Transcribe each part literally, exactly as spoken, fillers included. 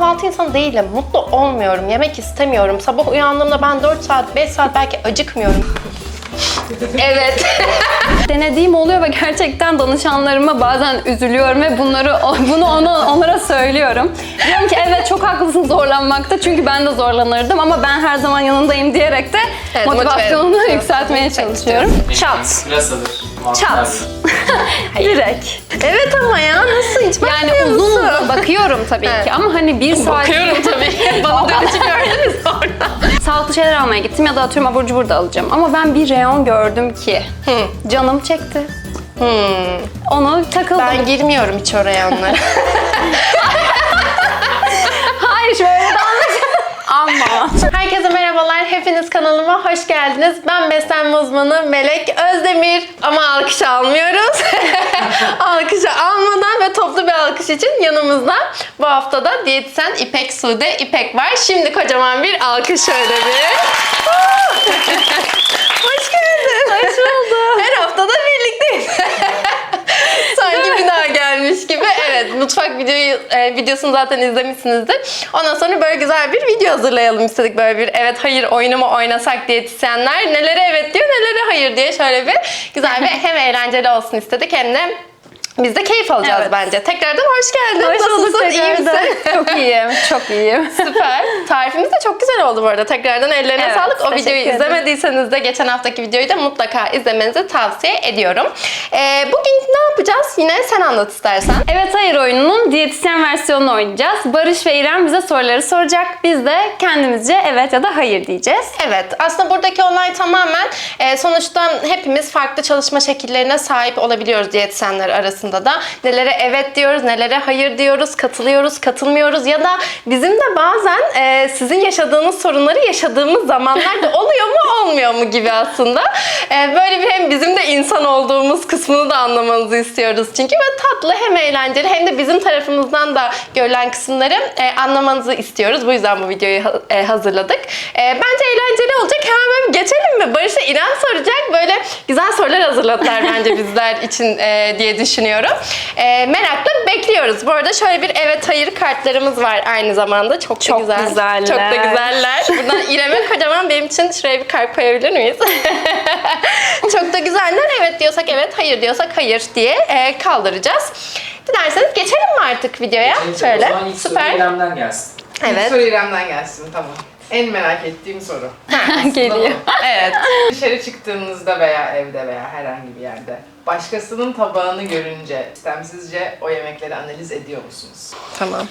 kahvaltı insanı değilim. Mutlu olmuyorum. Yemek istemiyorum. Sabah uyandığımda ben dört saat, beş saat belki acıkmıyorum. Evet. Denediğim oluyor ve gerçekten danışanlarıma bazen üzülüyorum ve bunları bunu ona, onlara söylüyorum. Diyorum ki evet çok haklısın zorlanmakta çünkü ben de zorlanırdım ama ben her zaman yanındayım diyerek de Evet, motivasyonumu motive- yükseltmeye çalışıyorum. Çat. Pırasadır. Çat. Direkt. Evet ama ya nasıl hiç Yani bakmıyor uzun musun? uzun bakıyorum tabii Evet. ki ama hani bir saat... Bakıyorum tabii. Bana dönüşü gördünüz sonra. Sağlıklı şeyler almaya gittim ya da atıyorum abur cubur da alacağım. Ama ben bir reyon gördüm ki Hı. canım çekti. Hmm. Onu takıldım. Ben girmiyorum hiç oraya onlara. Hayır şöyle de ama. Herkese merhabalar. Hepiniz kanalıma hoş geldiniz. Ben beslenme uzmanı Melek Özdemir. Ama alkış almıyoruz. Alkışı almadan ve toplu bir alkış için yanımızda bu haftada diyetisyen İpek Sude İpek var. Şimdi kocaman bir alkış şöyle bir. Hoş geldin. Hoş bulduk. Her haftada birlikteyiz. Sanki bir daha gelmiş gibi. Evet, mutfak videoyu e, videosunu zaten izlemişsinizdir. Ondan sonra böyle güzel bir video hazırlayalım istedik. Böyle bir evet hayır oyunu mu oynasak diyetisyenler. Nelere evet diyor, nelere hayır diye şöyle bir güzel bir hem eğlenceli olsun istedik hem de biz de keyif alacağız Evet. bence. Tekrardan hoş geldin. Hoş bulduk Nasılsın? İyi tekrardan. misin? Çok iyiyim, çok iyiyim. Süper. Tarifimiz de çok güzel oldu bu arada. Tekrardan ellerine Evet, sağlık. O teşekkür videoyu ederim. izlemediyseniz de geçen haftaki videoyu da mutlaka izlemenizi tavsiye ediyorum. Ee, bugün ne yapacağız? Yine sen anlat istersen. Evet hayır oyununun diyetisyen versiyonunu oynayacağız. Barış ve İrem bize soruları soracak. Biz de kendimizce evet ya da hayır diyeceğiz. Evet, aslında buradaki olay tamamen e, sonuçta hepimiz farklı çalışma şekillerine sahip olabiliyoruz diyetisyenler arasında da. Nelere evet diyoruz, nelere hayır diyoruz, katılıyoruz, katılmıyoruz ya da bizim de bazen e, sizin yaşadığınız sorunları yaşadığımız zamanlarda oluyor mu olmuyor mu gibi aslında. E, böyle bir hem bizim de insan olduğumuz kısmını da anlamanızı istiyoruz çünkü ve tatlı hem eğlenceli hem de bizim tarafımızdan da görülen kısımları e, anlamanızı istiyoruz. Bu yüzden bu videoyu ha- e, hazırladık. E, bence eğlenceli olacak. Hemen böyle geçelim mi? Barış'a İrem soracak. Böyle güzel sorular hazırladılar bence bizler için e, diye düşünüyorum. E, merakla bekliyoruz. Bu arada şöyle bir evet hayır kartlarımız var aynı zamanda. Çok, Çok da güzel. güzeller. Çok da güzeller. Buradan İrem'e kocaman benim için şuraya bir kalp koyabilir miyiz? Çok da güzeller. Evet diyorsak evet, hayır diyorsak hayır diye e, kaldıracağız. Dilerseniz geçelim mi artık videoya? Şimdi Şöyle. O zaman ilk soru Süper. İrem'den gelsin. Evet. İlk soru İrem'den gelsin, tamam. En merak ettiğim soru. Geliyor. Evet. Dışarı çıktığınızda veya evde veya herhangi bir yerde başkasının tabağını görünce istemsizce o yemekleri analiz ediyor musunuz? Tamam.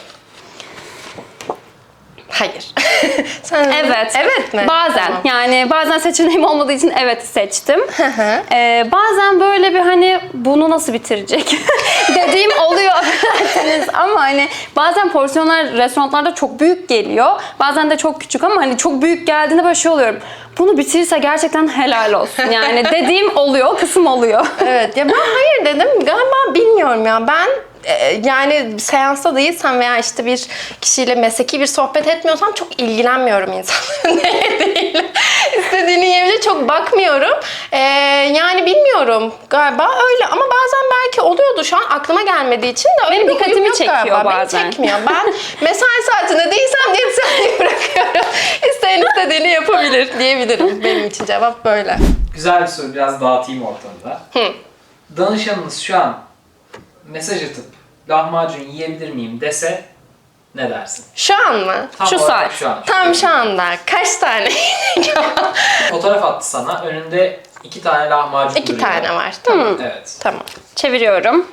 Hayır. Sen Evet. Evet mi? Bazen. Tamam. Yani bazen seçeneğim olmadığı için evet seçtim. ee, bazen böyle bir hani bunu nasıl bitirecek dediğim oluyor affedersiniz ama hani bazen porsiyonlar restoranlarda çok büyük geliyor. Bazen de çok küçük ama hani çok büyük geldiğinde böyle şey oluyorum. Bunu bitirirse gerçekten helal olsun. Yani dediğim oluyor, o kısım oluyor. Evet. Ya ben hayır dedim. Galiba bilmiyorum ya. Ben e, yani seansta değilsem veya işte bir kişiyle mesleki bir sohbet etmiyorsam çok ilgilenmiyorum insanların ne yediğiyle. İstediğini yiyebilir çok bakmıyorum. E, yani bilmiyorum. Galiba öyle ama bazen belki oluyordu. Şu an aklıma gelmediği için de öyle Benim bir dikkatimi huyum yok çekiyor galiba. bazen. Beni çekmiyor. Ben mesai saatinde değilsem diyetisyenliği bırakıyorum. İsteyen istediğini yapabilir diyebilirim. Benim için cevap böyle. Güzel bir soru, biraz dağıtayım ortamda. Hı. Danışanınız şu an mesaj atıp lahmacun yiyebilir miyim dese ne dersin? Şu an mı? Tam Şu olarak saat. Şu an. Tam şu anda. Kaç tane? Fotoğraf attı sana, önünde iki tane lahmacun İki duruyor. tane var. Tamam. Evet. Tamam. Çeviriyorum.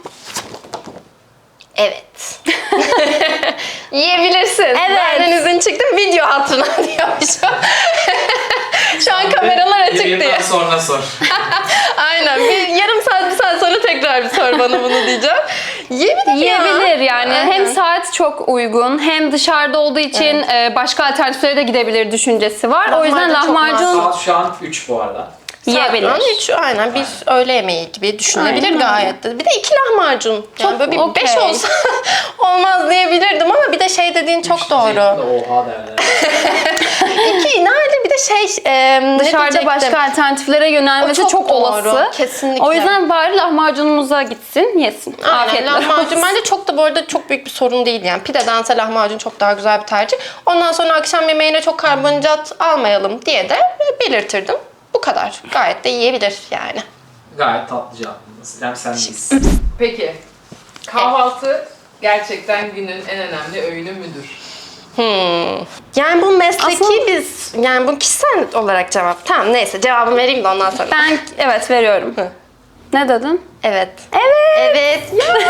Evet. Yiyebilirsin. Evet. Benden izin çıktı. Video hatırına diyormuşum. Şu an kameralar açık Yayından diye. sonra sor. Aynen. Bir yarım saat, bir saat sonra tekrar bir sor bana bunu diyeceğim. Yiyebilir ya. Yiyebilir yani. Aynen. Hem saat çok uygun hem dışarıda olduğu için e, başka alternatiflere de gidebilir düşüncesi var. O yüzden Lahmacun çok lahmacun Saat şu an üç bu arada. yiyebilir. Zaten hiç aynen bir öğle yemeği gibi düşünebilir Aynen. gayet de. Bir de iki lahmacun. Yani Çok böyle bir okey. beş olsa olmaz diyebilirdim ama bir de şey dediğin çok Üç doğru. diyecektim de Oha derler. İki nerede bir de şey e, ne Dışarıda diyecektim? başka alternatiflere yönelmesi O çok çok, doğru, olası. kesinlikle. O yüzden bari lahmacunumuza gitsin, yesin. Aynen, Afiyetle lahmacun olsun. bence çok da bu arada çok büyük bir sorun değil yani. Pidedense lahmacun çok daha güzel bir tercih. Ondan sonra akşam yemeğine çok karbonhidrat almayalım diye de belirtirdim. Bu kadar. Gayet de yiyebilir yani. Gayet tatlı cevabınız. İrem sendeyiz. Peki, kahvaltı gerçekten günün en önemli öğünü müdür? Hmm. Yani bu mesleki Aslında- biz, yani bu kişisel olarak cevap. Tamam neyse cevabımı vereyim de ondan sonra. Ben evet veriyorum. Hı. Ne dedin? Evet. Evet. Evet.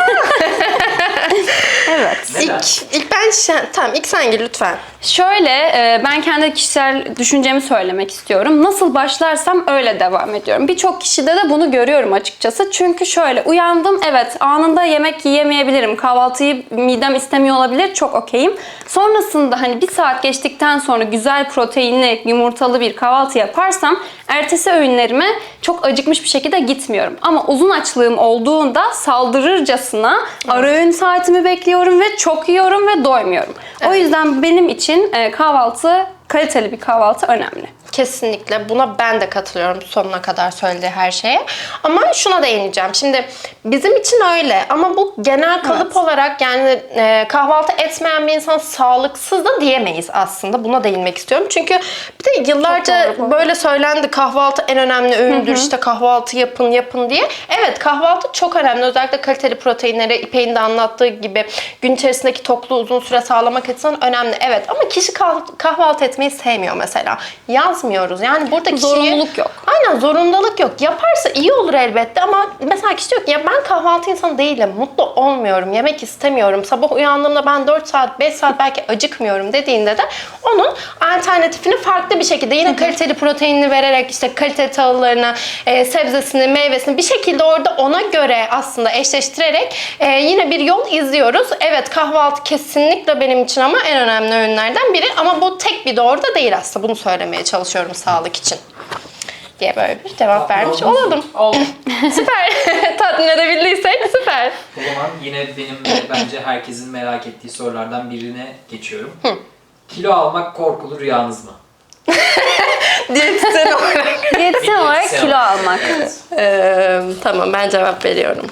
Evet. Neden? ilk, ilk ben, şen- tamam ilk sen gir lütfen. Şöyle, e, ben kendi kişisel düşüncemi söylemek istiyorum. Nasıl başlarsam öyle devam ediyorum. Birçok kişide de bunu görüyorum açıkçası. Çünkü şöyle, uyandım, evet anında yemek yiyemeyebilirim. Kahvaltıyı midem istemiyor olabilir, çok okeyim. Sonrasında hani bir saat geçtikten sonra güzel proteinli, yumurtalı bir kahvaltı yaparsam ertesi öğünlerime çok acıkmış bir şekilde gitmiyorum. Ama uzun açlığım olduğunda saldırırcasına ara öğün saatimi bekliyorum ve çok yiyorum ve doymuyorum. O yüzden benim için e, kahvaltı, kaliteli bir kahvaltı önemli. Kesinlikle buna ben de katılıyorum sonuna kadar söylediği her şeye. Ama şuna değineceğim. Şimdi bizim için öyle ama bu genel kalıp Evet. olarak yani e, kahvaltı etmeyen bir insan sağlıksız da diyemeyiz aslında. Buna değinmek istiyorum. Çünkü bir de yıllarca Çok doğru bu. böyle söylendi kahvaltı en önemli öğündür. İşte kahvaltı yapın yapın diye. Evet kahvaltı çok önemli. Özellikle kaliteli proteinleri İpek'in de anlattığı gibi gün içerisindeki tokluğu uzun süre sağlamak açısından önemli. Evet ama kişi kah- kahvaltı etmeyi sevmiyor mesela. Yazmıyoruz. Yani burada kişiyi... Zorunluluk yok. Aynen zorundalık yok. Yaparsa iyi olur elbette ama mesela kişi diyor ki ya ben kahvaltı insanı değilim. Mutlu olmuyorum. Yemek istemiyorum. Sabah uyandığımda ben dört saat, beş saat belki acıkmıyorum dediğinde de onun alternatifini farklı bir şekilde yine kaliteli proteinini vererek işte kaliteli tahıllarını, e, sebzesini, meyvesini bir şekilde orada ona göre aslında eşleştirerek e, yine bir yol izliyoruz. Evet kahvaltı kesinlikle benim için ama en önemli öğünlerden biri ama bu tek bir doğru da değil aslında. Bunu söylemeye çalışıyorum sağlık için diye böyle bir cevap Tatmin vermiş oldunuz mu? olalım. Oldu. Süper. Tatmin edebildiysek süper. O zaman yine benim de bence herkesin merak ettiği sorulardan birine geçiyorum. Kilo almak korkulu rüyanız mı? Diyetisyen olarak. Diyetisyen olarak Diyetisyen kilo olarak. almak. Evet. Ee, tamam ben cevap veriyorum.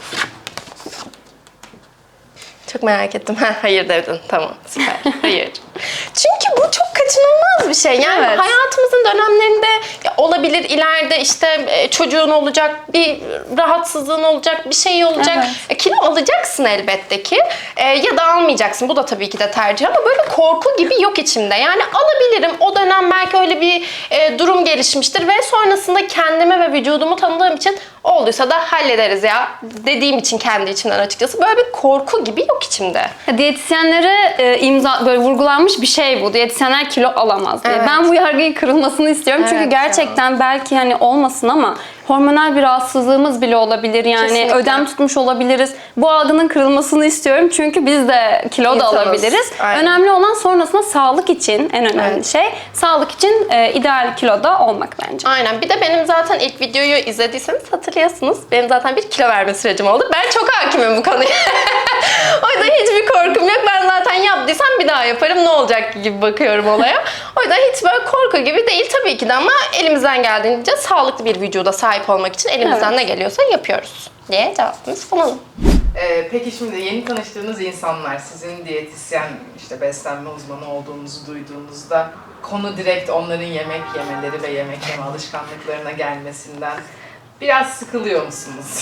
Çok merak ettim. Ha, hayır dedin. Tamam süper. Hayır. Çünkü bu çok kaçınılmaz bir şey. Yani Evet. hayatımızın dönemlerinde ya olabilir ileride işte e, çocuğun olacak, bir rahatsızlığın olacak, bir şey olacak. Evet. E, kilo alacaksın elbette ki. E, ya da almayacaksın. Bu da tabii ki de tercih ama böyle korku gibi yok içimde. Yani alabilirim. O dönem belki öyle bir e, durum gelişmiştir ve sonrasında kendime ve vücudumu tanıdığım için olduysa da hallederiz ya dediğim için kendi içimden açıkçası böyle bir korku gibi yok içimde. Diyetisyenlere e, imza böyle vurgulanmış bir şey bu. Diyetisyenler kilo alamaz diye. Evet. Ben bu yargıyı kırılmasını istiyorum. Çünkü Evet gerçekten belki hani olmasın ama hormonal bir rahatsızlığımız bile olabilir. Yani Kesinlikle. ödem tutmuş olabiliriz. Bu algının kırılmasını istiyorum. Çünkü biz de kilo da İnsanız. alabiliriz. Aynen. Önemli olan sonrasında sağlık için en önemli Evet. şey. Sağlık için e, ideal kiloda olmak bence. Aynen. Bir de benim zaten ilk videoyu izlediyseniz hatırlıyorsunuz. Benim zaten bir kilo verme sürecim oldu. Ben çok hakimim bu konuya. O yüzden hiçbir korkum yok. Ben zaten yaptıysam bir daha yaparım. Ne olacak gibi bakıyorum olaya. O yüzden hiç böyle korku gibi değil tabii ki de ama elimizden geldiğince sağlıklı bir vücuda sahip olmak için elimizden Evet. ne geliyorsa yapıyoruz diye cevabımızı sunalım. Ee, peki şimdi yeni tanıştığınız insanlar sizin diyetisyen, işte beslenme uzmanı olduğunuzu duyduğunuzda konu direkt onların yemek yemeleri ve yemek yeme alışkanlıklarına gelmesinden biraz sıkılıyor musunuz?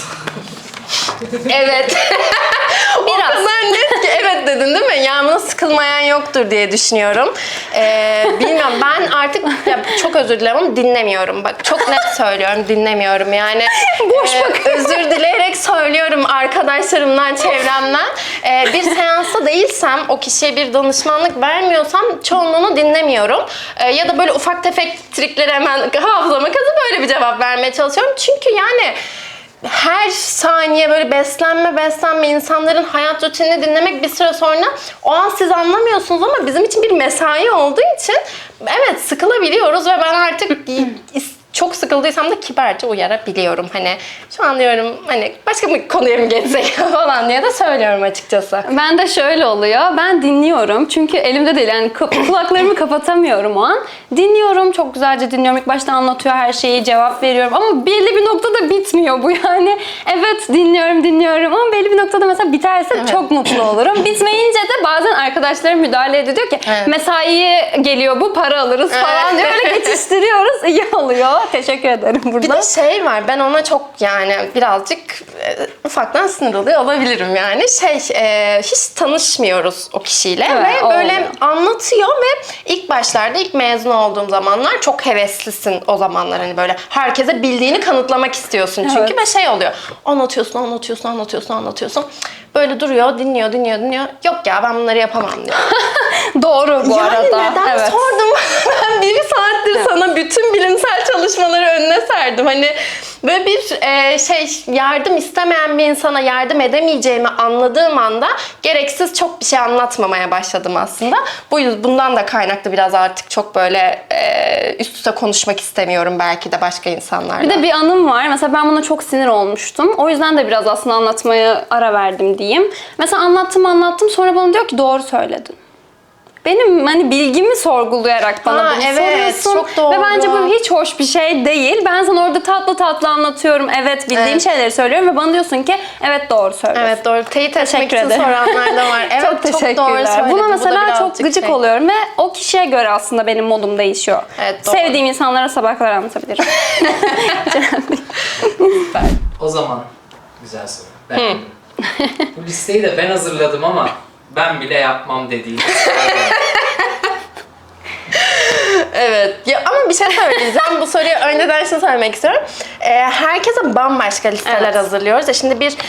Evet. Biraz. O kadar net ki evet dedin değil mi? Yani buna sıkılmayan yoktur diye düşünüyorum. Ee, bilmiyorum ben artık ya çok özür dilerim ama dinlemiyorum. Bak çok net söylüyorum dinlemiyorum yani. Boş e, özür dileyerek söylüyorum arkadaşlarımdan, çevremden. Ee, bir seansta değilsem, o kişiye bir danışmanlık vermiyorsam çoğunluğunu dinlemiyorum. Ee, ya da böyle ufak tefek trikleri hemen hafızama kazıp böyle bir cevap vermeye çalışıyorum. Çünkü yani her saniye böyle beslenme beslenme insanların hayat rutinini dinlemek bir süre sonra o an siz anlamıyorsunuz ama bizim için bir mesai olduğu için evet sıkılabiliyoruz ve ben artık is- çok sıkıldıysam da kibarca uyarabiliyorum. Hani şu an diyorum hani başka bir konuya mı geçsek falan diye de söylüyorum açıkçası. Ben de şöyle oluyor. Ben dinliyorum. Çünkü elimde değil. Yani kı- kulaklarımı kapatamıyorum o an. Dinliyorum. Çok güzelce dinliyorum. İlk başta anlatıyor her şeyi. Cevap veriyorum. Ama belli bir noktada bitmiyor bu yani. Evet dinliyorum dinliyorum. Ama belli bir noktada mesela biterse Evet. çok mutlu olurum. Bitmeyince de bazen arkadaşlarım müdahale ediyor. Diyor ki Evet. mesaiye geliyor bu para alırız falan Evet. diyor. Öyle geçiştiriyoruz. İyi oluyor. Teşekkür ederim Bir burada. de şey var, ben ona çok yani birazcık e, ufaktan sinir oluyor olabilirim yani. Şey, e, hiç tanışmıyoruz o kişiyle Evet, ve o böyle oluyor. anlatıyor ve ilk başlarda, ilk mezun olduğum zamanlar çok heveslisin o zamanlar. Hani böyle herkese bildiğini kanıtlamak istiyorsun çünkü Evet. ve şey oluyor. Anlatıyorsun, anlatıyorsun, anlatıyorsun, anlatıyorsun. Böyle duruyor, dinliyor, dinliyor, dinliyor. Yok ya ben bunları yapamam diyor. Doğru bu yani arada. neden Evet. sordum? Ben bir saattir sana bütün bilimsel çalışmaları önüne serdim. Hani böyle bir e, şey yardım istemeyen bir insana yardım edemeyeceğimi anladığım anda gereksiz çok bir şey anlatmamaya başladım aslında. Bu yüzden bundan da kaynaklı biraz artık çok böyle e, üst üste konuşmak istemiyorum belki de başka insanlarla. Bir de bir anım var. Mesela ben buna çok sinir olmuştum. O yüzden de biraz aslında anlatmaya ara verdim diyeyim. Mesela anlattım anlattım sonra bana diyor ki doğru söyledin. Benim hani bilgimi sorgulayarak bana Ha, bunu evet, soruyorsun. çok doğru. Ve bence bu hiç hoş bir şey değil. Ben sana orada tatlı tatlı anlatıyorum. Evet bildiğim Evet. şeyleri söylüyorum ve bana diyorsun ki evet doğru söylüyorsun. Evet doğru. Teyit etmek Teşekkür için ederim. soranlar da var. Evet çok çok, doğru teşekkürler. söyledin. Buna Bu da mesela çok birazcık gıcık şey. oluyorum ve o kişiye göre aslında benim modum değişiyor. Evet, doğru. Sevdiğim insanlara sabah kadar anlatabilirim. O zaman güzel soru. Ben bu listeyi de ben hazırladım ama ben bile yapmam dediğim. Evet. Ya ama bir şey söyleyeceğim. Bu soruyu önceden şunu söylemek istiyorum. Ee, herkese bambaşka listeler Evet. hazırlıyoruz. Ya şimdi bir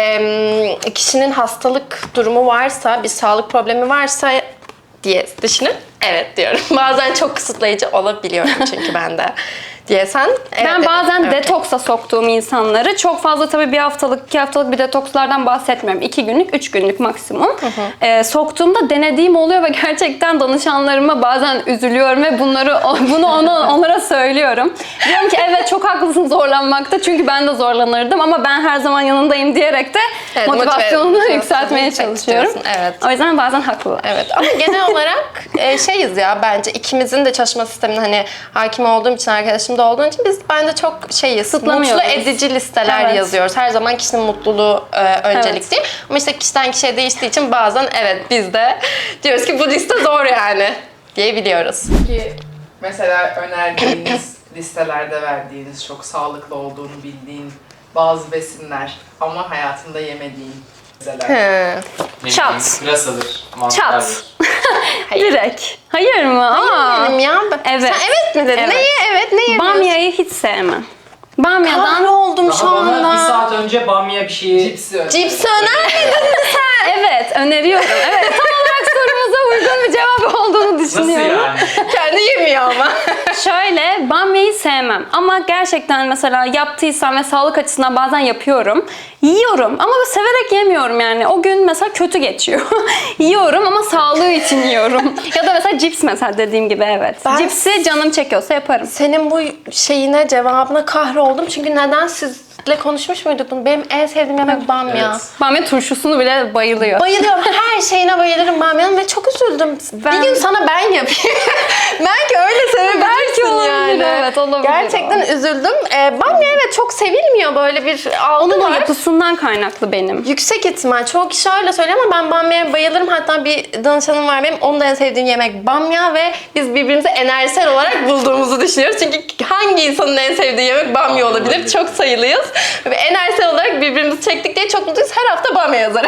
e, kişinin hastalık durumu varsa, bir sağlık problemi varsa diye düşünün. Evet diyorum. Bazen çok kısıtlayıcı olabiliyorum çünkü ben de. Diye sen evet Ben dedin. bazen Evet. detoksa soktuğum insanları çok fazla tabii bir haftalık, iki haftalık bir detokslardan bahsetmiyorum. İki günlük, üç günlük maksimum. Ee, soktuğumda denediğim oluyor ve gerçekten danışanlarıma bazen üzülüyorum ve bunları bunu ona, onlara söylüyorum. Diyorum ki evet çok haklısın zorlanmakta çünkü ben de zorlanırdım ama ben her zaman yanındayım diyerek de Evet, motivasyonunu motive- yükseltmeye yükseltmek çalışıyorum. istiyorsun, evet. O yüzden bazen haklılar. Evet ama genel olarak e, şeyiz ya bence ikimizin de çalışma sistemine hani hakim olduğum için, arkadaşım da olduğun için biz bence çok şeyiz. Kısıtlamıyoruz. Mutlu edici listeler Evet. yazıyoruz. Her zaman kişinin mutluluğu e, öncelik Evet. değil. Ama işte kişiden kişiye değiştiği için bazen evet biz de diyoruz ki bu liste zor yani diyebiliyoruz. Ki mesela önerdiğiniz listelerde verdiğiniz çok sağlıklı olduğunu bildiğin bazı besinler ama hayatında yemediğin mesela. He. Ne Çat. bileyim, pırasadır, Çat. mantardır. Hayır. Direkt. Hayır mı? Aa. Benim ya. Evet. Sen evet mi dedin? Evet. Neye evet ne yemiyorsun? Bamyayı hiç sevmem. Bamyadan Kahroldum şu Daha bana bir anda. saat önce bamya bir şeyi... Cipsi öner. Cipsi önermedin mi sen? evet öneriyorum. Evet tam olarak sorumuza uygun bir cevap olduğunu Nasıl düşünüyorum. yani? Kendi yemiyor ama. Şöyle bamyayı sevmem ama gerçekten mesela yaptıysam ve sağlık açısından bazen yapıyorum. Yiyorum ama severek yemiyorum yani. O gün mesela kötü geçiyor. Yiyorum ama sağlığı için yiyorum. Ya da mesela cips mesela dediğim gibi evet. Ben- Cipsi canım çekiyorsa yaparım. Senin bu şeyine, cevabına kahroldum. Çünkü neden sizle konuşmuş muyduk bunu? Benim en sevdiğim yemek bamya. Evet. Bamya turşusunu bile bayılıyor. Bayılıyorum. Her şeyine bayılırım bamyanın ve çok üzüldüm. Ben- Bir gün sana ben yapayım. Belki öyle sevebilirsin Belki olabilir, yani. evet, olabilir Gerçekten üzüldüm. Ee, bamya evet çok sevilmiyor, böyle bir algı Onun var. yapısından kaynaklı benim. Yüksek ihtimal. Çoğu kişi öyle söylüyor ama ben bamyaya bayılırım. Hatta bir danışanım var benim. Onun da en sevdiğim yemek bamya ve biz birbirimizi enerjisel olarak bulduğumuzu düşünüyoruz. Çünkü hangi insanın en sevdiği yemek bamya olabilir? olabilir. Çok sayılıyız. Ve enerjisel olarak birbirimizi çektik diye çok mutluyuz. Her hafta bamya yazarım.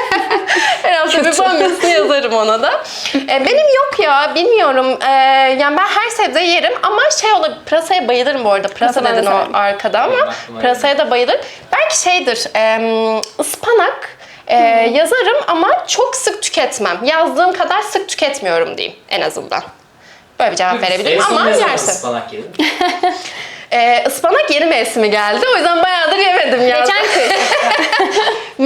Her hafta bir bamyasını yazarım ona da. Ee, benim yok ya. Bilmiyorum. Ee, yani ben her sebzeyi yerim ama şey olabilir. Pırasaya bayılırım bu arada. Pırasa Pırasa ben dedin de o severim. arkada ama Benim aklıma pırasaya da bayılırım. Belki şeydir. E, ıspanak e, yazarım ama çok sık tüketmem. Yazdığım kadar sık tüketmiyorum diyeyim en azından. Böyle bir cevap verebilirim En son ama ne zaman yersin. ıspanak yedin? E, ıspanak yeni mevsimi geldi. O yüzden bayağıdır yemedim ya. Geçen kış.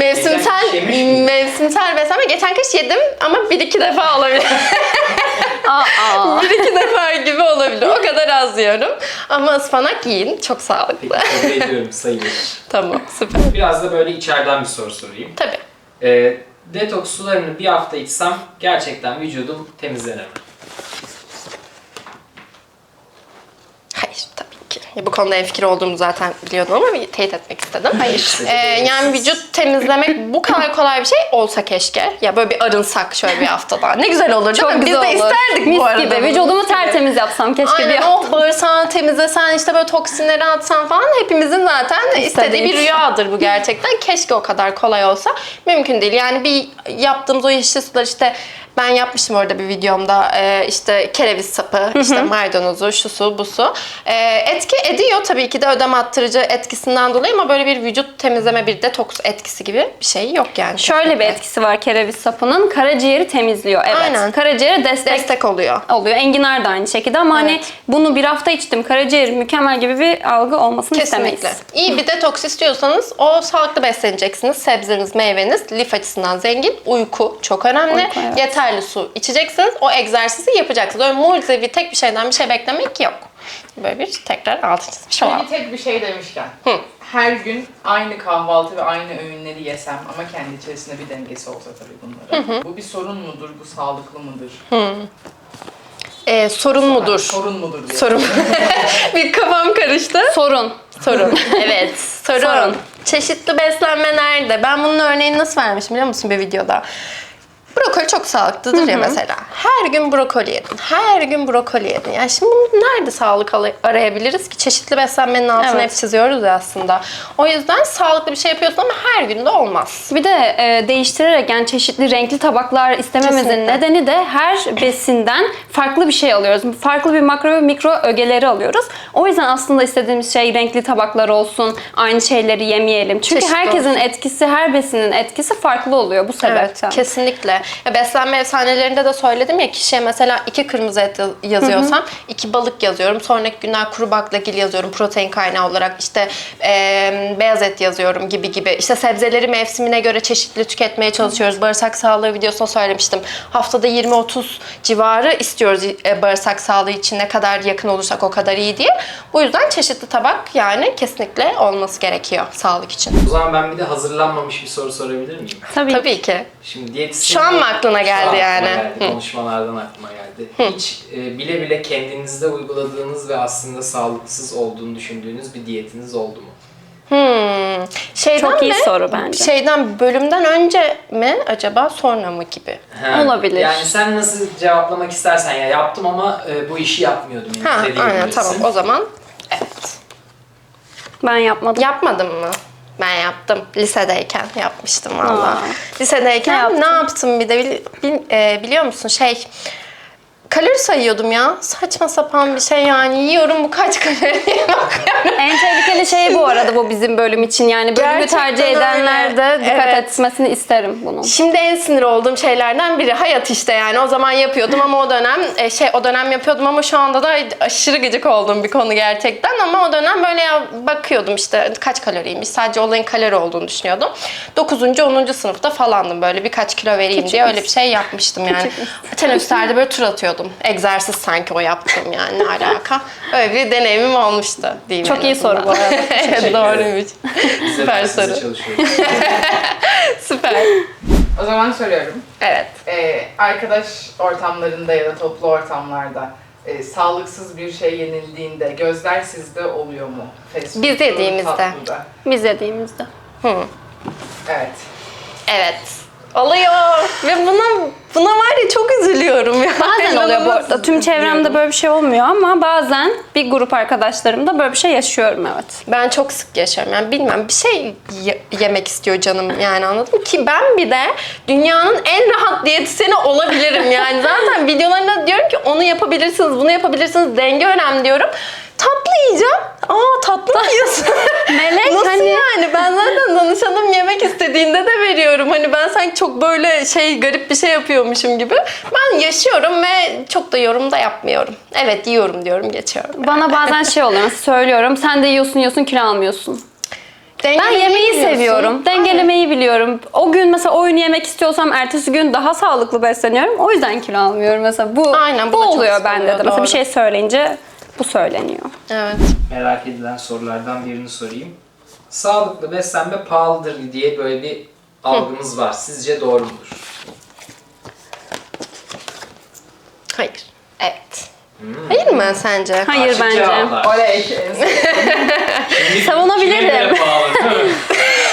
Mevsimsel, Geçen kış yemiş miydin? mevsimsel beslenme. Geçen kış yedim ama bir iki defa olabilir. Aa. Bir iki defa gibi olabilir. O kadar az yiyorum. Ama ıspanak yiyin. Çok Peki sağlıklı. kabul ediyorum, sayılır. Tamam, süper. Biraz da böyle içeriden bir soru sorayım. Tabii. Ee, detoks sularını bir hafta içsem gerçekten vücudum temizlenir mi? Hayır, tabii ki. Ya, bu konuda enfikir olduğumu zaten biliyordum ama bir teyit etmek istedim. Hayır. Ee, yani vücut temizlemek bu kadar kolay bir şey olsa keşke. Ya böyle bir arınsak şöyle bir haftada. Ne güzel olur değil Çok mi? Biz güzel de olur. isterdik Mis bu arada. gibi. bunu. Vücudumu Mis gibi. tertemiz yapsam keşke bir Aynen, hafta. oh bağırsağını temizlesen, işte böyle toksinleri atsan falan, hepimizin zaten istediği İstediği bir şey. rüyadır bu gerçekten. Keşke o kadar kolay olsa. Mümkün değil. Yani bir yaptığımız o yeşil sular, işte ben yapmıştım orada bir videomda, ee, işte kereviz sapı, işte maydanozu, şu su, bu su. Ee, etki ediyor tabii ki de ödem attırıcı etkisinden dolayı ama böyle bir vücut temizleme, bir detoks etkisi gibi bir şey yok yani. Şöyle bir kesinlikle. etkisi var kereviz sapının. Karaciğeri temizliyor. Evet. Aynen. Karaciğere destek, Destek oluyor. oluyor. Enginar da aynı şekilde ama hani Evet. bunu bir hafta içtim, karaciğerim mükemmel gibi bir algı olmasını Kesinlikle. istemeyiz. İyi bir detoks istiyorsanız o sağlıklı besleneceksiniz. Sebzeniz, meyveniz lif açısından zengin. Uyku çok önemli. Uyku, evet. Yeterli su içeceksiniz. O egzersizi yapacaksınız. Öyle mucizevi tek bir şeyden bir şey beklemek yok. Böyle bir tekrar altı çizmiş olalım. Peki tek bir şey demişken, her gün aynı kahvaltı ve aynı öğünleri yesem ama kendi içerisinde bir dengesi olsa tabii bunların. Bu bir sorun mudur, bu sağlıklı mıdır? Ee, sorun mudur? Sorun mudur diye. Sorun. Bir kafam karıştı. Sorun. Sorun. Evet. Sorun. Sorun. Çeşitli beslenme nerede? Ben bunun örneğini nasıl vermişim biliyor musun bir videoda? Brokoli çok sağlıklıdır ya mesela. Her gün brokoli yedin. Her gün brokoli yedin. Yani şimdi bunu nerede sağlık al- arayabiliriz ki? Çeşitli beslenmenin altını Evet. hep çiziyoruz ya aslında. O yüzden sağlıklı bir şey yapıyorsun ama her gün de olmaz. Bir de e, değiştirerek, yani çeşitli renkli tabaklar istememizin Kesinlikle. nedeni de her besinden farklı bir şey alıyoruz. Farklı bir makro ve mikro ögeleri alıyoruz. O yüzden aslında istediğimiz şey renkli tabaklar olsun, aynı şeyleri yemeyelim. Çünkü Çeşitli herkesin olsun. etkisi, her besinin etkisi farklı oluyor bu sebepten. Evet, kesinlikle. Ya beslenme efsanelerinde de söyledim ya, kişiye mesela iki kırmızı et yazıyorsam iki balık yazıyorum. Sonraki günler kuru baklagil yazıyorum protein kaynağı olarak. İşte e, beyaz et yazıyorum gibi gibi. İşte sebzeleri mevsimine göre çeşitli tüketmeye çalışıyoruz. Bağırsak sağlığı videosunda söylemiştim. Haftada yirmi otuz civarı istiyoruz e, bağırsak sağlığı için, ne kadar yakın olursak o kadar iyi diye. Bu yüzden çeşitli tabak yani kesinlikle olması gerekiyor sağlık için. O zaman ben bir de hazırlanmamış bir soru sorabilir miyim? Tabii. Tabii ki. Şimdi diyetisyen... Şu an mı aklına Şu geldi an yani? aklıma geldi, Hı. konuşmalardan aklıma geldi. Hiç e, bile bile kendinizde uyguladığınız ve aslında sağlıksız olduğunu düşündüğünüz bir diyetiniz oldu mu? Hmm. Şeyden Çok iyi mi? soru bence. Şeyden, bölümden önce mi acaba, sonra mı gibi? Ha, Olabilir. Yani sen nasıl cevaplamak istersen, ya yaptım ama e, bu işi yapmıyordum. Yani Ha, dediğin aynen, bilirsin. tamam, o zaman evet. Ben yapmadım. Yapmadın mı? Ben yaptım. Lisedeyken yapmıştım valla. Aa. Lisedeyken Ne yaptın? ne yaptım bir de bil- bil- e, biliyor musun şey... Kalori sayıyordum ya. Saçma sapan bir şey yani. Yiyorum, bu kaç kalori diye bakıyorum. En tehlikeli şey bu arada bu bizim bölüm için. Yani bölümü Gerçekten tercih edenler de öyle. dikkat Evet. etmesini isterim bunun. Şimdi en sinir olduğum şeylerden biri hayat işte yani. O zaman yapıyordum ama o dönem e, şey o dönem yapıyordum ama şu anda da aşırı gıcık olduğum bir konu gerçekten, ama o dönem böyle ya bakıyordum işte kaç kaloriymiş. Sadece olayın kalori olduğunu düşünüyordum. dokuzuncu onuncu sınıfta falandım, böyle birkaç kilo vereyim diye öyle bir şey yapmıştım yani. Teneffüslerde böyle tur atıyordum. Egzersiz sanki o yaptığım yani, ne alaka. Öyle bir deneyimim olmuştu diyeyim. Çok en iyi azından. soru bu arada. Evet, doğruymuş. Biz de Süper size soru. çalışıyoruz. Süper. O zaman soruyorum. Evet. Ee, arkadaş ortamlarında ya da toplu ortamlarda e, sağlıksız bir şey yenildiğinde gözler sizde oluyor mu? Fast Biz food'da, yediğimizde. tatlıda. Biz yediğimizde. Hı. Evet. Evet. Oluyor. Ve buna buna var ya çok üzülüyorum ya. Bazen oluyor bu arada. Tüm çevremde üzülüyorum. böyle bir şey olmuyor ama bazen bir grup arkadaşlarımda böyle bir şey yaşıyorum, evet. Ben çok sık yaşıyorum. Yani bilmem, bir şey ye- yemek istiyor canım yani, anladın mı? Ki ben bir de dünyanın en rahat diyetisyeni olabilirim yani. Zaten videolarında diyorum ki onu yapabilirsiniz, bunu yapabilirsiniz, denge önemli diyorum. Tatlı yiyeceğim. Aa, tatlı mı yiyorsun? Melek Nasıl hani yani? Ben zaten danışanım yemek istediğinde de veriyorum. Hani ben sanki çok böyle şey garip bir şey yapıyormuşum gibi. Ben yaşıyorum ve çok da yorum da yapmıyorum. Evet, yiyorum diyorum, geçiyorum. bana bazen şey oluyor. Mesela söylüyorum, sen de yiyorsun yiyorsun kilo almıyorsun. Ben Dengelemeyi yemeği biliyorsun. seviyorum. Dengelemeyi biliyorum. O gün mesela oyunu yemek istiyorsam ertesi gün daha sağlıklı besleniyorum. O yüzden kilo almıyorum mesela. Bu, Aynen, bu bu da çok oluyor sık bende oluyor, de. Mesela doğru. bir şey söyleyince bu söyleniyor. Evet. Merak edilen sorulardan birini sorayım. Sağlıklı beslenme pahalıdır diye böyle bir algımız var. Sizce doğru mudur? Hayır. Evet. Hayır mı sence? Hayır Karşı bence. cevaplar. Oley. en sevdiğim. Şimdi Savunabilirim. kime göre pahalı, değil mi?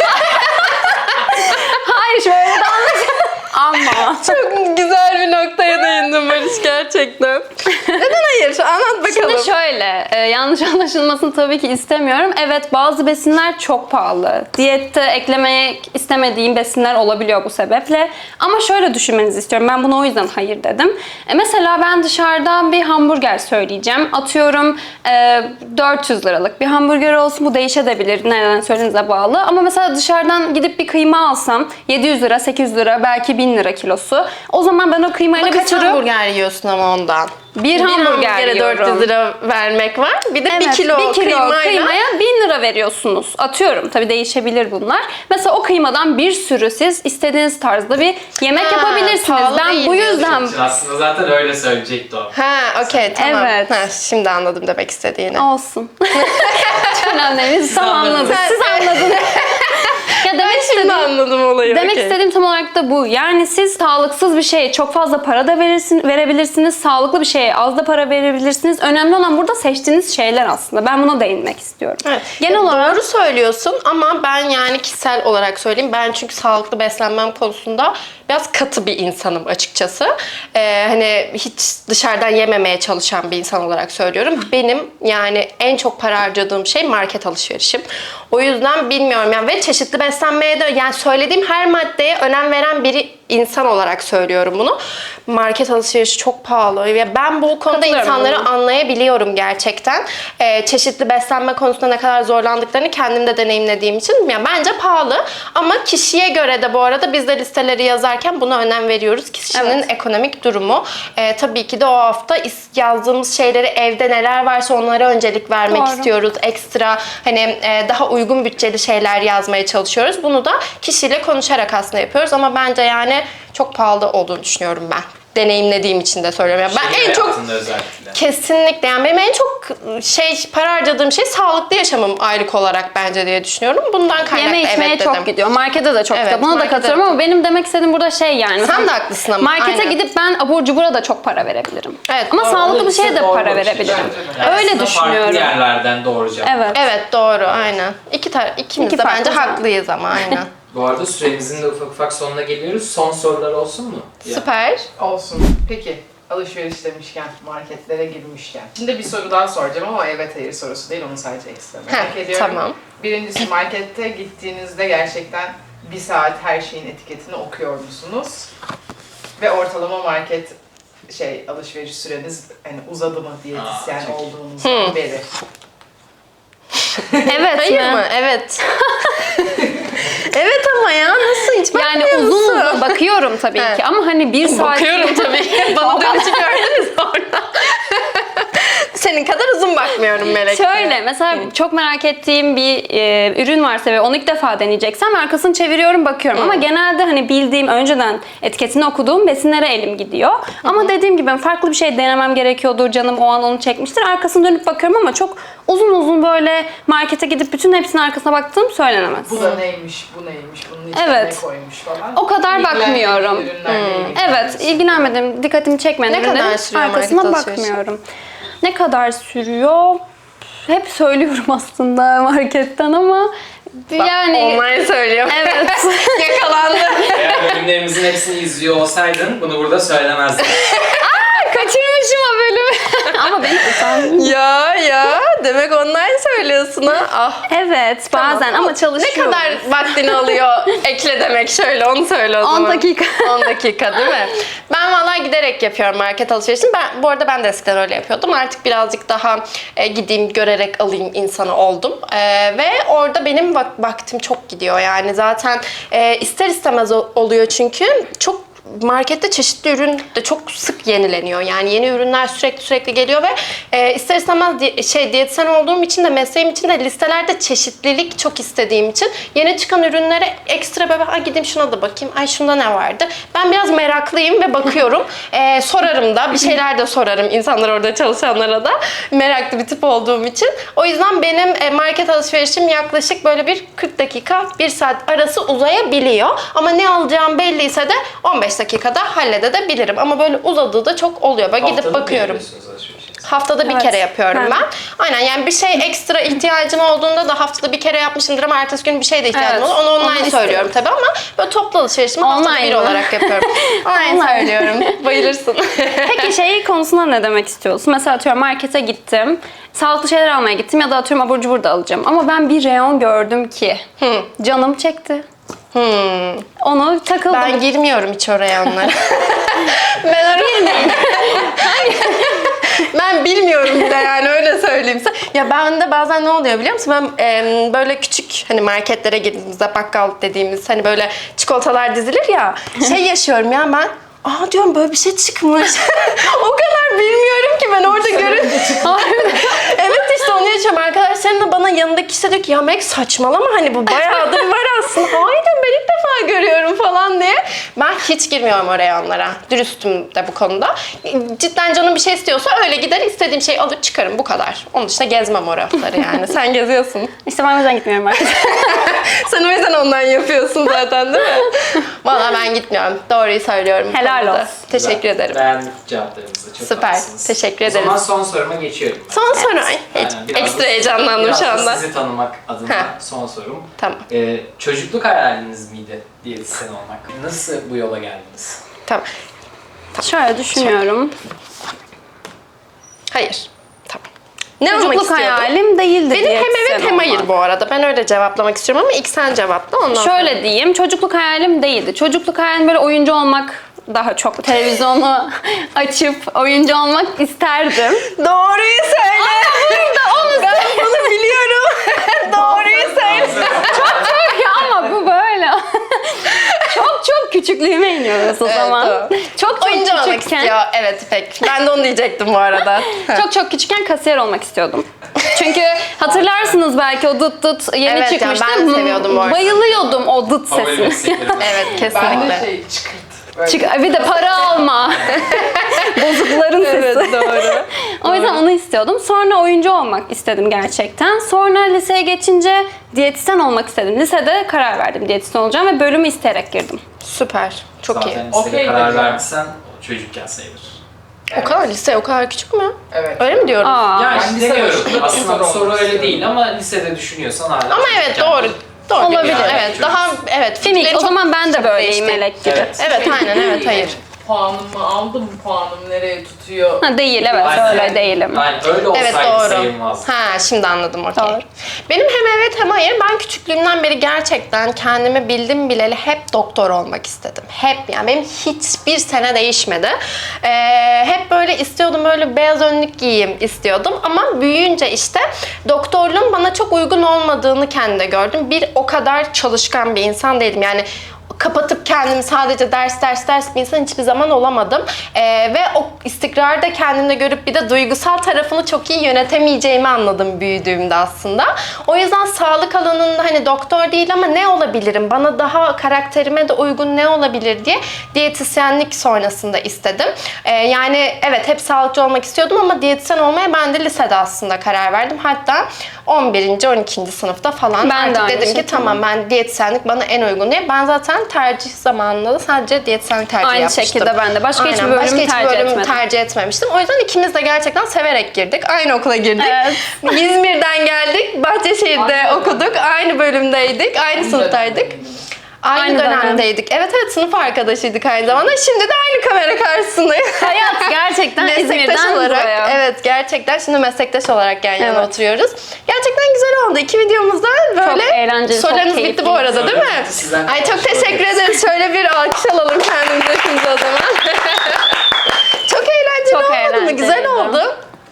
Hayır şöyle de anlaşılır. Ama. Çok güzel bir noktaya değindin Barış gerçekten. Neden hayır? Anlat bakalım. Şimdi şöyle, e, yanlış anlaşılmasını tabii ki istemiyorum. Evet, bazı besinler çok pahalı. Diyette eklemek istemediğim besinler olabiliyor bu sebeple. Ama şöyle düşünmenizi istiyorum. Ben buna o yüzden hayır dedim. E, mesela ben dışarıdan bir hamburger söyleyeceğim. Atıyorum e, dört yüz liralık bir hamburger olsun. Bu değişebilir. Nereden söylediğinize bağlı. Ama mesela dışarıdan gidip bir kıyma alsam yedi yüz lira, sekiz yüz lira, belki bin lira kilosu. O zaman ben o kıymayla Ama bir kaç sürü hamburger yiyorsun ama ondan? bir hamburger hamburgere yiyorum. dört yüz lira vermek var. Bir de bir Evet, kilo, bir kilo kıymayla. kıymaya bin lira veriyorsunuz. Atıyorum, tabii değişebilir bunlar. Mesela o kıymadan bir sürü siz istediğiniz tarzda bir yemek Ha, yapabilirsiniz. pahalı Ben değil bu diyorsun. yüzden Aslında zaten öyle söyleyecekti o. Ha, okey, tamam. Evet. Ha, şimdi anladım demek istediğini. olsun. Hiç önemli değil. Biz tam anladınız. anladık. Siz anladınız. Ya demek Şimdi istediğim anladım olayı. Demek okey. istediğim tam olarak da bu. Yani siz sağlıksız bir şeye çok fazla para da verirsin, verebilirsiniz. Sağlıklı bir şeye az da para verebilirsiniz. Önemli olan burada seçtiğiniz şeyler aslında. Ben buna değinmek istiyorum. Evet. Genel Ya olarak doğru söylüyorsun ama ben yani kişisel olarak söyleyeyim. Ben çünkü sağlıklı beslenmem konusunda biraz katı bir insanım açıkçası. Ee, hani hiç dışarıdan yememeye çalışan bir insan olarak söylüyorum. Benim yani en çok para harcadığım şey market alışverişim. O yüzden bilmiyorum yani ve çeşitli beslenmeye de yani söylediğim her maddeye önem veren biri insan olarak söylüyorum bunu. Market alışverişi çok pahalı ve ben bu konuda Katılıyorum insanları buna. anlayabiliyorum gerçekten. Ee, çeşitli beslenme konusunda ne kadar zorlandıklarını kendim de deneyimlediğim için yani bence pahalı ama kişiye göre de bu arada biz de listeleri yazarken buna önem veriyoruz. Kişinin Evet. ekonomik durumu. Ee, tabii ki de o hafta is- yazdığımız şeyleri evde neler varsa onlara öncelik vermek Doğru. istiyoruz. Ekstra hani e, daha uygun bütçeli şeyler yazmaya çalışıyoruz. Bunu da kişiyle konuşarak aslında yapıyoruz ama bence yani çok pahalı olduğunu düşünüyorum ben. Deneyimlediğim için de söylüyorum. Yani ben Şehir en çok hayatında özellikle. kesinlikle yani benim en çok şey para harcadığım şey sağlıklı yaşamım aylık olarak bence diye düşünüyorum. Bundan kaynaklı yeme içmeye evet çok dedim. gidiyor. Markete de çok Evet, gidiyor. Buna da markete katılıyorum de ama benim demek istediğim burada şey yani. Sen mesela de haklısın ama. Markete aynen. gidip ben abur cubura da çok para verebilirim. Evet, Ama doğru. sağlıklı bir şeye de Doğru para bakış açısı. verebilirim. Yani Öyle aslında düşünüyorum. Farklı yerlerden doğru cevap. Evet. Evet doğru aynen. İki tar ikimiz İki de farklı bence zaman. haklıyız ama aynen. Bu arada süremizin de ufak ufak sonuna geliyoruz. Son sorular olsun mu? Ya. Süper. Olsun. Peki alışveriş demişken, marketlere girmişken. Şimdi bir soru daha soracağım ama evet hayır sorusu değil, onu sadece ekstra merak Heh, ediyorum. tamam. Birincisi markette gittiğinizde gerçekten bir saat her şeyin etiketini okuyor musunuz? Ve ortalama market şey alışveriş süreniz hani uzadı mı diyetisyen Aa, çok iyi. olduğunuzdan beri. Evet Hayır mi? mı? Evet. Evet ama ya nasıl hiç Yani bakmıyor uzun musun? uzun bakıyorum tabii Evet. ki ama hani bir saat... Bakıyorum tabii. Bana dönüşü gördünüz orada. Senin kadar uzun bakmıyorum Melek. Şöyle mesela çok merak ettiğim bir e, ürün varsa ve onu ilk defa deneyeceksem arkasını çeviriyorum bakıyorum. Ama genelde hani bildiğim önceden etiketini okuduğum besinlere elim gidiyor. Ama dediğim gibi farklı bir şey denemem gerekiyordur, canım o an onu çekmiştir. Arkasını dönüp bakıyorum ama çok uzun uzun böyle markete gidip bütün hepsinin arkasına baktığım söylenemez. Bu da neymiş, bu neymiş, bunun içine Evet. ne koymuş falan. O kadar İlgilenmediğin bakmıyorum. ürünlerle ilgileniyorsun. Evet, ilgilenmedim, dikkatimi çekmedi. Ne kadar ürünlerin sürüyor arkasına market alışverişi? bakmıyorum. Ne kadar sürüyor? Hep söylüyorum aslında marketten ama yani Online söylüyorum. evet. Yakalandı. Eğer bölümlerimizin hepsini izliyor olsaydın bunu burada söylemezdin. Kaçırmışım o bölümü. ama beni utandım. ya ya demek online söylüyorsun ha. Ah. Evet, bazen Tamam. ama çalışıyorum. Ne kadar vaktini alıyor ekle demek şöyle onu söyle o zaman. on dakika. on dakika değil mi? Ben vallahi giderek yapıyorum market alışverişini. Ben, bu arada ben de eskiden öyle yapıyordum. Artık birazcık daha e, gideyim görerek alayım insanı oldum. E, ve orada benim vak- vaktim çok gidiyor yani zaten e, ister istemez o- oluyor çünkü çok markette çeşitli ürün de çok sık yenileniyor. Yani yeni ürünler sürekli sürekli geliyor ve e, ister istemez di- şey diyetisyen olduğum için de mesleğim için de listelerde çeşitlilik çok istediğim için yeni çıkan ürünlere ekstra böyle ay gideyim şuna da bakayım. Ay şunda ne vardı? Ben biraz meraklıyım ve bakıyorum. e, sorarım da bir şeyler de sorarım insanlar orada çalışanlara da. Meraklı bir tip olduğum için. O yüzden benim e, market alışverişim yaklaşık böyle bir kırk dakika, bir saat arası uzayabiliyor. Ama ne alacağım belliyse de on beş dakikada halledebilirim. Ama böyle uzadığı da çok oluyor. Böyle gidip Haftada mı bakıyorum. yapıyorsunuz alışverişi? Haftada bir Evet. kere yapıyorum Ben- ben. Aynen yani bir şey ekstra ihtiyacım olduğunda da haftada bir kere yapmışımdır ama ertesi gün bir şey de ihtiyacım Evet, olur. Onu online onu istiyorum. söylüyorum tabii ama böyle toplu alışverişimi haftada Online bir mi? olarak yapıyorum. Online Online. söylüyorum. Bayılırsın. Peki şey konusunda ne demek istiyorsun? Mesela atıyorum markete gittim. Sağlıklı şeyler almaya gittim ya da atıyorum abur cubur da alacağım. Ama ben bir reyon gördüm ki canım çekti. Hmm. Onu takıldım. Ben girmiyorum hiç oraya onlara. ben oraya... ben bilmiyorum bile yani öyle söyleyeyim size. Ya ben de bazen ne oluyor biliyor musun? Ben e, böyle küçük hani marketlere girdiğimizde bakkal dediğimiz hani böyle çikolatalar dizilir ya. Şey yaşıyorum ya ben. Aa diyorum böyle bir şey çıkmış. O kadar bilmiyorum ki ben orada görün. Evet işte onu yaşıyorum. Arkadaşlarım da bana yanındaki kişi diyor ki ya Meg saçmalama hani bu bayağıdır var aslında. Hayır diyorum ben ilk defa görüyorum falan diye. Ben hiç girmiyorum oraya onlara. Dürüstüm de bu konuda. Cidden canım bir şey istiyorsa öyle gider istediğim şeyi alır çıkarım bu kadar. Onun dışında gezmem o rafları yani. Sen geziyorsun. İşte ben o yüzden gitmiyorum markete. Sen o yüzden ondan yapıyorsun zaten değil mi? Valla ben gitmiyorum. Doğruyu söylüyorum. bu Helal konuda. olsun. Teşekkür Güzel. ederim. Beğendik cevaplarınızı. Çok Süper. haklısınız. Teşekkür O ederim. zaman son soruma geçiyorum ben. Son soru. Ay, Aynen, hiç- biraz ekstra da- heyecanlandım biraz şu da anda. sizi tanımak adına Heh. son sorum. Tamam. Ee, çocukluk hayaliniz miydi diyetisyen olmak? Nasıl bu yola geldiniz? Tamam. Şöyle düşünüyorum. Hayır. Tamam. Ne olmak Çocukluk istiyordun? hayalim değildi Benim hem diyetisyen evet hem hayır olmak. bu arada. Ben öyle cevaplamak istiyorum ama ilk sen cevapla ondan sonra. Şöyle diyeyim, çocukluk hayalim değildi. Çocukluk hayalim böyle oyuncu olmak daha çok. Televizyonu açıp oyuncu olmak isterdim. Doğruyu söyle. Ben bunu biliyorum. Doğruyu söyle. Ya ama bu böyle. çok çok küçüklüğüme iniyoruz o Evet, zaman. tamam. Çok çok Oyuncu olmak küçükken, istiyor. Evet İpek. Ben de onu diyecektim bu arada. çok çok küçükken kasiyer olmak istiyordum. Çünkü hatırlarsınız belki o dıt dıt yeni Evet, çıkmıştı. yani ben de seviyordum bu arada. Bayılıyordum o dıt Favori sesine. mesleklerim. Evet Ben kesinlikle. de şey çıkırt. Böyle. Çık, bir de para alma. Bozukların sesi. Evet doğru. O yüzden onu istiyordum. Sonra oyuncu olmak istedim gerçekten. Sonra liseye geçince diyetisyen olmak istedim. Lisede karar verdim diyetisyen olacağım ve bölümü isteyerek girdim. Süper. Çok iyi. Zaten listede Okey karar dedi ya. verdiysen o çocukken sayılır. O kadar lise o kadar küçük mü? Evet. Öyle mi diyorum? Aa. Yani Ben lise demiyorum. başında Aslında bu doktor soru olmak öyle istiyorum. değil ama lisede düşünüyorsan hala Ama evet çocukken- doğru. Doğru. Olabilir, Yani, evet. evet. Daha evet. Finik. fikirleri O çok- zaman ben de çok böyleyim değişti. melek gibi. Evet. Evet aynen evet hayır. Puanımı aldım, puanım nereye tutuyor? Ha, değil evet Aynen. öyle değilim. Aynen öyle olsaydı Evet doğru. sayılmaz. Ha şimdi anladım okey. Doğru. Benim hem evet hem hayır. Ben küçüklüğümden beri gerçekten kendimi bildim bileli hep doktor olmak istedim. Hep yani benim hiçbir sene değişmedi. Ee, hep böyle istiyordum böyle beyaz önlük giyeyim istiyordum. Ama büyüyünce işte doktorluğun bana çok uygun olmadığını kendimde gördüm. Bir o kadar çalışkan bir insan değilim. Yani kapatıp kendimi sadece ders ders ders bir insan hiçbir zaman olamadım. Ee, ve o istikrarı da kendimde görüp bir de duygusal tarafını çok iyi yönetemeyeceğimi anladım büyüdüğümde aslında. O yüzden sağlık alanında hani doktor değil ama ne olabilirim? Bana daha karakterime de uygun ne olabilir diye diyetisyenlik sonrasında istedim. Ee, yani evet hep sağlıkçı olmak istiyordum ama diyetisyen olmaya ben de lisede aslında karar verdim. Hatta on birinci on ikinci sınıfta falan Ben de artık aynı dedim ki şekilde. tamam ben diyetisyenlik bana en uygun diye. Ben zaten tercih zamanında da sadece diyetisyenlik tercih Aynı yapmıştım. şekilde ben de. Başka hiçbir Aynen, bölüm başka hiçbir tercih bölüm etmedim. tercih etmemiştim. O yüzden ikimiz de gerçekten severek girdik. Aynı okula girdik. Evet. İzmir'den geldik. Bahçeşehir'de Aynı okuduk. Aynı bölümdeydik. Aynı sınıftaydık. Aynı, Aynı dönem. dönemdeydik. Evet evet sınıf arkadaşıydık aynı zamanda. Şimdi de aynı kamera karşısındayız. Hayat gerçekten meslektaş İzmir'den olarak, buraya. evet gerçekten şimdi meslektaş olarak yan yana Evet. oturuyoruz. Gerçekten güzel oldu. İki videomuzda böyle Çok eğlenceli, çok sorularınız bitti keyifli. bu arada değil mi? Sorularınız sizden Ay çok kalmış teşekkür olabilir. ederiz. Şöyle bir alkış alalım kendimize şimdi o zaman. Çok eğlenceli Çok olmadı mı? Güzel eğlenceliydi. oldu.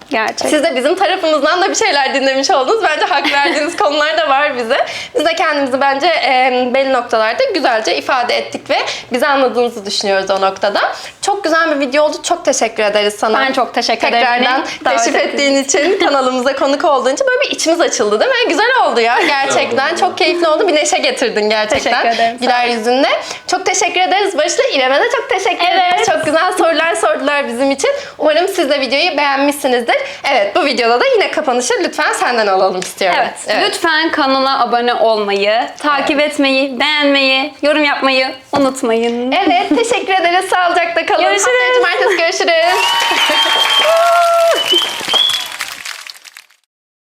Gerçekten. Siz de bizim tarafımızdan da bir şeyler dinlemiş oldunuz. Bence hak verdiğiniz konular da var bize. Biz de kendimizi bence e, belli noktalarda güzelce ifade ettik ve bizi anladığınızı düşünüyoruz o noktada. Çok güzel bir video oldu. Çok teşekkür ederiz sana. Ben çok teşekkür ederim. Tekrardan Beni davet teşrif ettiğin için, kanalımıza konuk olduğun için böyle bir içimiz açıldı değil mi? Güzel oldu ya gerçekten. Çok keyifli oldu. Bir neşe getirdin gerçekten. Teşekkür ederim. Güler yüzünle. Çok teşekkür ederiz Barış'la. İrem'e de çok teşekkür Evet. ederiz. Çok güzel sorular sordular bizim için. Umarım siz de videoyu beğenmişsinizdir. Evet, bu videoda da yine kapanışı lütfen senden alalım istiyorum. Evet. Lütfen kanala abone olmayı, takip etmeyi, beğenmeyi, yorum yapmayı unutmayın. Evet, teşekkür ederiz. Sağlıcakla kalın. Görüşürüz. Haftaya cumartesi görüşürüz.